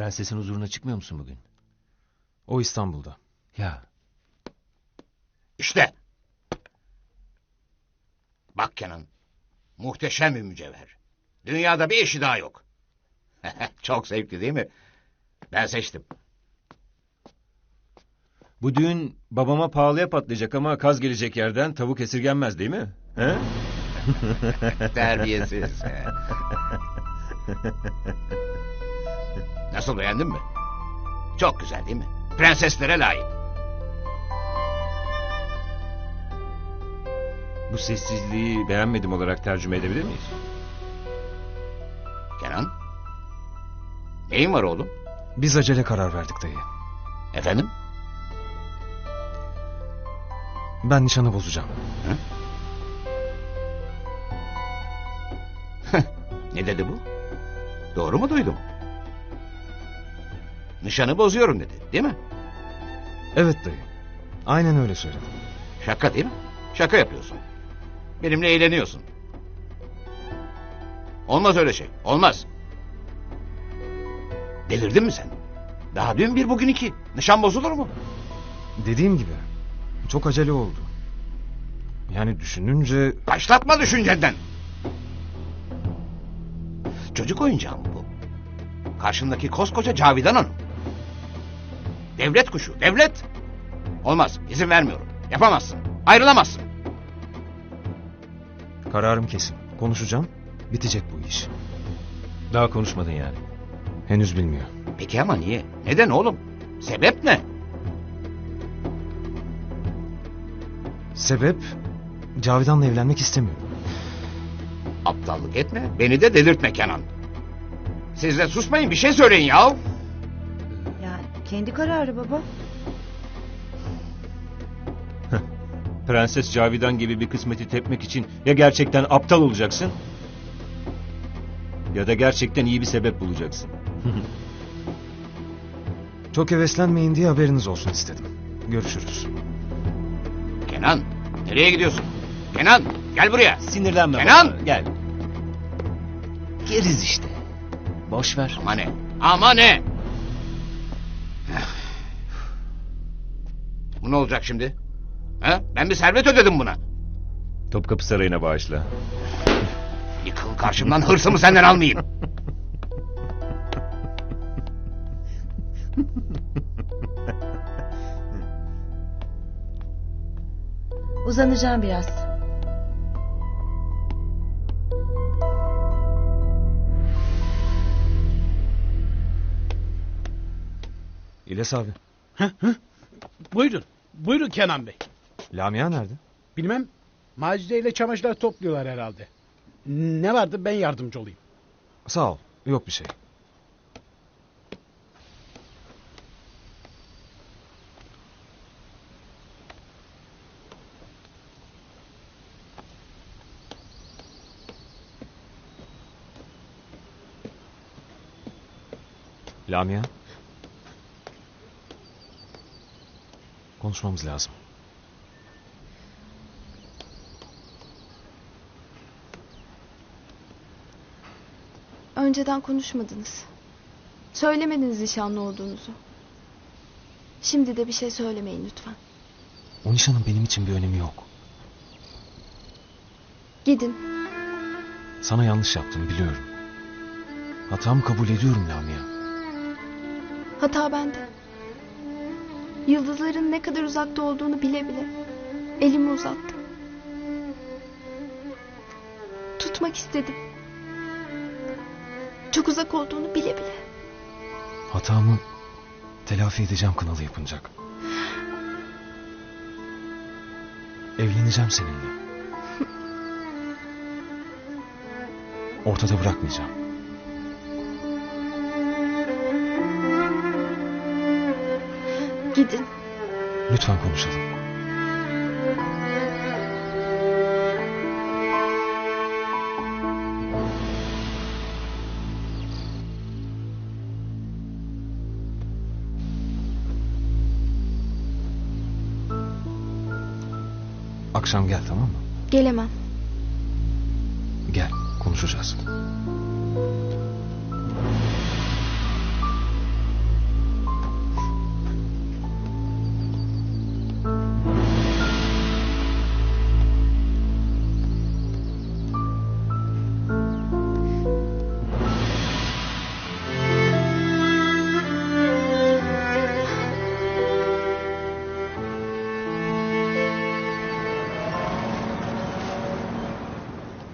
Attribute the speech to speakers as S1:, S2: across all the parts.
S1: Prensesin huzuruna çıkmıyor musun bugün?
S2: O İstanbul'da.
S1: Ya.
S3: İşte. Bak Kenan. Muhteşem bir mücevher. Dünyada bir eşi daha yok. Çok zevkli değil mi? Ben seçtim.
S1: Bu düğün babama pahalıya patlayacak ama kaz gelecek yerden tavuk esirgenmez değil mi? He?
S3: Terbiyesiz. Nasıl, beğendin mi? Çok güzel değil mi? Prenseslere layık.
S1: Bu sessizliği beğenmedim olarak tercüme edebilir miyiz?
S3: Kenan. Neyin var oğlum?
S2: Biz acele karar verdik dayı.
S3: Efendim?
S2: Ben nişanı bozacağım.
S3: Ne dedi bu? Doğru mu duydum? Nişanı bozuyorum dedi, değil mi?
S2: Evet dayı. Aynen öyle söyledim.
S3: Şaka değil mi? Şaka yapıyorsun. Benimle eğleniyorsun. Olmaz öyle şey. Olmaz. Delirdin mi sen? Daha dün bir, bugün iki. Nişan bozulur mu?
S2: Dediğim gibi çok acele oldu. Yani düşününce...
S3: Başlatma düşüncenden. Çocuk oyuncağı mı bu? Karşındaki koskoca Cavidan Hanım. Devlet kuşu, devlet. Olmaz, izin vermiyorum. Yapamazsın, ayrılamazsın.
S2: Kararım kesin. Konuşacağım. Bitecek bu iş.
S1: Daha konuşmadın yani.
S2: Henüz bilmiyor.
S3: Peki ama niye? Neden oğlum? Sebep ne?
S2: Sebep... Cavidan'la evlenmek istemiyor.
S3: Aptallık etme, beni de delirtme Kenan. Siz de susmayın, bir şey söyleyin ya.
S4: Yani kendi kararı baba.
S1: Prenses Cavidan gibi bir kısmeti tepmek için ya gerçekten aptal olacaksın... ya da gerçekten iyi bir sebep bulacaksın.
S2: Çok heveslenmeyin diye haberiniz olsun istedim. Görüşürüz.
S3: Kenan, nereye gidiyorsun? Kenan, gel buraya.
S1: Sinirlenme
S3: Kenan!
S1: baba, gel. Geriz işte. Boş ver.
S3: Ama ne? Ama ne? Bu ne olacak şimdi? Ha? Ben bir servet ödedim buna.
S1: Topkapı Sarayı'na bağışla.
S3: Yıkıl karşımdan, hırsımı senden almayayım.
S4: Uzanacağım biraz.
S2: İlyas abi.
S5: Buyurun. Buyurun Kenan Bey.
S2: Lamia nerede?
S5: Bilmem. Macide ile çamaşırlar topluyorlar herhalde. Ne vardı, ben yardımcı olayım.
S2: Sağ ol. Yok bir şey. Lamia. Konuşmamız lazım.
S6: Önceden konuşmadınız. Söylemediniz nişanlı olduğunuzu. Şimdi de bir şey söylemeyin lütfen.
S2: O nişanın benim için bir önemi yok.
S6: Gidin.
S2: Sana yanlış yaptım biliyorum. Hatamı kabul ediyorum Lamia.
S6: Hata bende. Yıldızların ne kadar uzakta olduğunu bile bile elimi uzattım. Tutmak istedim. Çok uzak olduğunu bile bile.
S2: Hatamı telafi edeceğim kınalı yapınacak. Evleneceğim seninle. Ortada bırakmayacağım.
S6: Gidin.
S2: Lütfen konuşalım. Akşam gel, tamam mı?
S6: Gelemem.
S2: Gel, konuşacağız.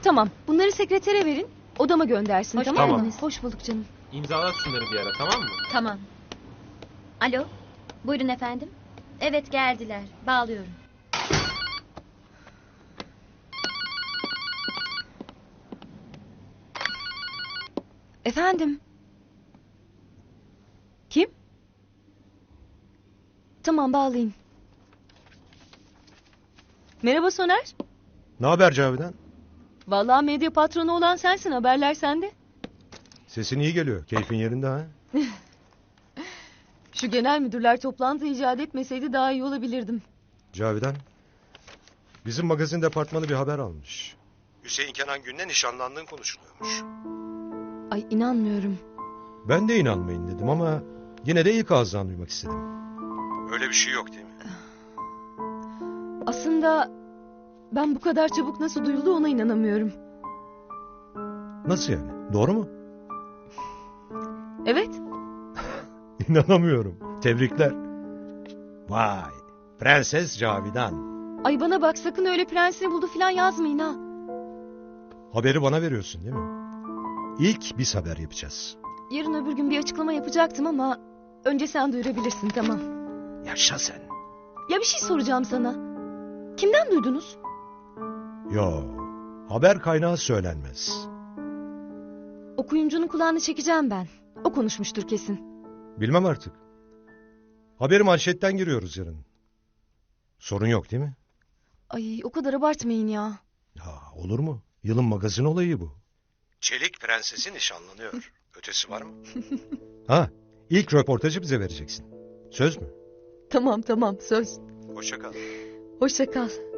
S7: Tamam. Bunları sekretere verin. Odama göndersin,
S8: Hoş
S7: tamam mı?
S8: geldiniz.
S7: Hoş bulduk canım.
S2: İmzalat şunları bir ara, tamam mı?
S8: Tamam. Alo. Buyurun efendim. Evet geldiler. Bağlıyorum.
S7: Efendim? Kim? Tamam, bağlayın. Merhaba Soner.
S9: Ne haber Cavidan?
S7: Vallahi medya patronu olan sensin, haberler sende.
S9: Sesin iyi geliyor. Keyfin yerinde ha?
S7: Şu genel müdürler toplantı icat etmeseydi daha iyi olabilirdim.
S9: Cavidan, bizim magazin departmanı bir haber almış. Hüseyin Kenan Gün'le nişanlandığın konuşuluyormuş.
S7: Ay inanmıyorum.
S9: Ben de inanmayın dedim ama yine de ilk ağızdan duymak istedim. Öyle bir şey yok değil mi?
S7: Aslında ben bu kadar çabuk nasıl duyuldu ona inanamıyorum.
S9: Nasıl yani? Doğru mu?
S7: Evet.
S9: İnanamıyorum. Tebrikler. Vay, Prenses Cavidan.
S7: Ay bana bak, sakın öyle prensini buldu falan yazmayın ha.
S9: Haberi bana veriyorsun değil mi? İlk biz haber yapacağız.
S7: Yarın öbür gün bir açıklama yapacaktım ama önce sen duyurabilirsin, tamam.
S9: Yaşa sen.
S7: Ya bir şey soracağım sana. Kimden duydunuz?
S9: Yo, haber kaynağı söylenmez.
S7: Okuyuncunun kulağını çekeceğim ben. O konuşmuştur kesin.
S9: Bilmem artık. Haberi manşetten giriyoruz yarın. Sorun yok değil mi?
S7: Ay o kadar abartmayın ya.
S9: Ya olur mu? Yılın magazin olayı bu. Çelik Prensesi nişanlanıyor. Ötesi var mı? Ha, ilk röportajı bize vereceksin. Söz mü?
S7: Tamam söz.
S9: Hoşça kal.
S7: Hoşça kal.